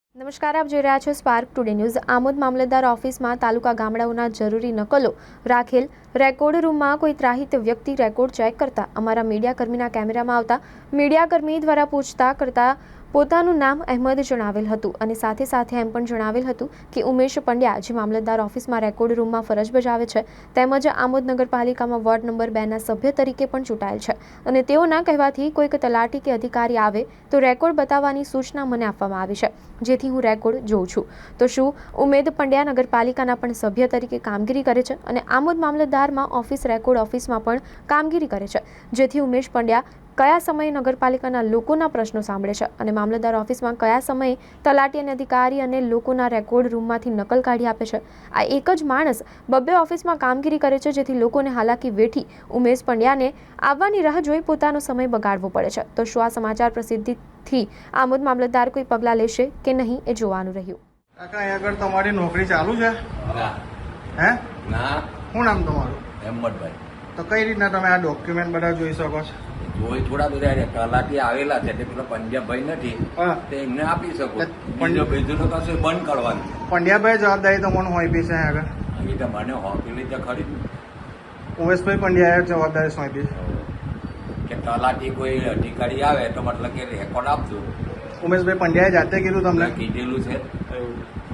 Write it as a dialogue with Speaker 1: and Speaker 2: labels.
Speaker 1: નમસ્કાર, આપ જોઈ રહ્યા છો સ્પાર્ક ટુડે ન્યૂઝ। આમોદ મામલતદાર ઓફિસમાં તાલુકા ગામડાઓના જરૂરી નકલો રાખેલ રેકોર્ડ રૂમમાં કોઈ ત્રાહિત વ્યક્તિ રેકોર્ડ ચેક કરતા અમારા મીડિયાકર્મીના કેમેરામાં આવતા મીડિયાકર્મી દ્વારા પૂછતા કરતા પોતાનું નામ અહેમદ જણાવેલ હતું અને સાથે સાથે એમ પણ જણાવેલ હતું કે ઉમેશ પંડ્યા જે મામલતદાર ઓફિસમાં રેકોર્ડ રૂમમાં ફરજ બજાવે છે તેમજ આમોદ નગરપાલિકામાં વોર્ડ નંબર 2ના સભ્ય તરીકે પણ ચૂંટાયેલ છે અને તેઓના કહેવાથી કોઈક તલાટી કે અધિકારી આવે તો રેકોર્ડ બતાવવાની સૂચના મને આપવામાં આવી છે, જેથી હું રેકોર્ડ જોઉં છું। તો શું ઉમેદ પંડ્યા નગરપાલિકાના પણ સભ્ય તરીકે કામગીરી કરે છે અને આમોદ મામલતદારમાં ઓફિસ રેકોર્ડ ઓફિસમાં પણ કામગીરી કરે છે, જેથી ઉમેશ પંડ્યા કયા સમયે નગરપાલિકાના લોકોના પ્રશ્નો સાંભળે છે અને મામલતદાર ઓફિસમાં કયા સમયે તલાટી અને અધિકારી અને લોકોના રેકોર્ડ રૂમમાંથી નકલ કાઢી આપે છે। આ એક જ માણસ બબ્બે ઓફિસમાં કામગીરી કરે છે, જેથી લોકોને હાલાકી વેઠી ઉમેશ પંડ્યાને આવવાની રાહ જોઈ પોતાનો સમય બગાડવો પડે છે। તો શું આ સમાચાર પ્રસિદ્ધિથી આમોદ મામલતદાર કોઈ પગલાં લેશે કે નહીં એ જોવાનું રહ્યું।
Speaker 2: કાકા અહીં આગળ તમારી નોકરી ચાલુ છે?
Speaker 3: ના
Speaker 2: હે
Speaker 3: ના
Speaker 2: શું નામ તમારું?
Speaker 3: હેમતભાઈ।
Speaker 2: તો કઈ રીતના તમે આ ડોક્યુમેન્ટ બધા જોઈ શકો છો?
Speaker 3: જોઈ થોડા બધા તલાટી આવેલા છે તે પેલા પંજાબભાઈ નથી
Speaker 2: હા,
Speaker 3: તે એમને આપી શકો।
Speaker 2: પંજાબ-
Speaker 3: બીજું તો કશું બંધ કરવાનું
Speaker 2: પંડ્યાભાઈ જવાબદારી તમને સોંપી છે અહીં આગળ?
Speaker 3: એ તો મને હોપેલી તો ખરી
Speaker 2: ઉમેશભાઈ પંડ્યાએ જવાબદારી સોંપી
Speaker 3: કે તલાટી કોઈ અધિકારી આવે તો મતલબ કે રેકોર્ડ આપજો।
Speaker 2: ઉમેશભાઈ પંડ્યાએ જાતે કીધું તમને?
Speaker 3: કીધેલું છે।
Speaker 2: એવું